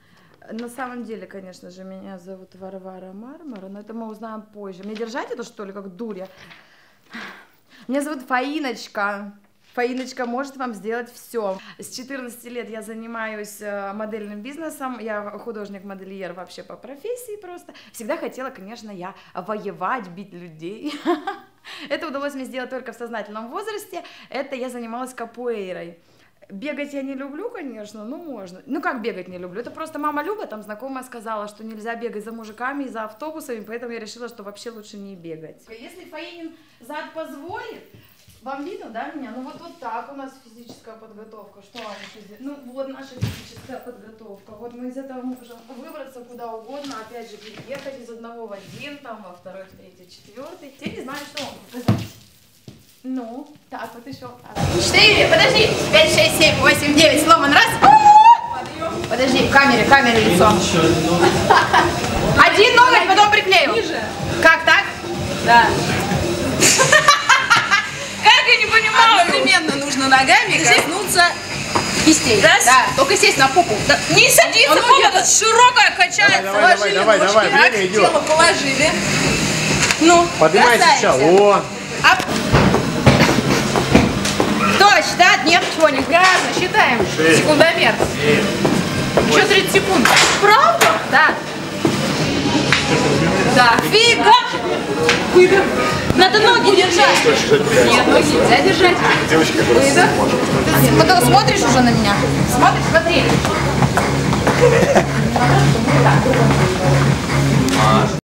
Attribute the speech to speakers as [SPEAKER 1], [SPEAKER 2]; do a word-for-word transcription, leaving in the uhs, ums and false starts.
[SPEAKER 1] На самом деле, конечно же, меня зовут Варвара Мармара, но это мы узнаем позже. Мне держать это, что ли, как дуря? Меня зовут Фаиночка. Фаиночка может вам сделать все. С четырнадцати лет я занимаюсь модельным бизнесом, я художник-модельер вообще по профессии просто. Всегда хотела, конечно, я воевать, бить людей. Это удалось мне сделать только в сознательном возрасте. Это я занималась капуэйрой. Бегать я не люблю, конечно, ну можно. Ну как бегать не люблю? Это просто мама Люба, там знакомая сказала, что нельзя бегать за мужиками и за автобусами, поэтому я решила, что вообще лучше не бегать. Если Фаинин зад позволит, вам видно, да, меня? Ну вот, вот так у нас физическая подготовка. Что вам еще здесь? Ну вот наша физическая подготовка. Вот мы из этого можем выбраться куда угодно, опять же переехать из одного в один, там во второй, в третий, четвертый. Я не знаю, что вам показать. Ну, так, вот еще. Четыре, подожди, пять, шесть, семь, восемь, девять, сломан, раз. Подожди, в камере, в камере лицо. Один ноготь, потом приклею. Ниже. Как, так? Да. Как, я не понимаю.
[SPEAKER 2] Одновременно нужно ногами коснуться кистей.
[SPEAKER 1] Да?
[SPEAKER 2] Да, только сесть на попу. Да.
[SPEAKER 1] Не садиться, попа тут широкая, качается.
[SPEAKER 3] Давай, давай, давай, давай, давай, время идет.
[SPEAKER 2] Тело положили.
[SPEAKER 1] Ну,
[SPEAKER 3] поднимайся сейчас. О.
[SPEAKER 1] Ап. Кто считает? Нет, чего не
[SPEAKER 2] Грязно, считаем.
[SPEAKER 3] шесть,
[SPEAKER 2] секундомер.
[SPEAKER 3] семь,
[SPEAKER 2] Еще тридцать секунд.
[SPEAKER 1] Правда?
[SPEAKER 2] Да. Да.
[SPEAKER 1] Фига! Надо ноги держать.
[SPEAKER 2] Нет, ноги нельзя держать.
[SPEAKER 3] девочки, которые может.
[SPEAKER 1] Потом смотришь уже на меня?
[SPEAKER 2] Смотри, смотри.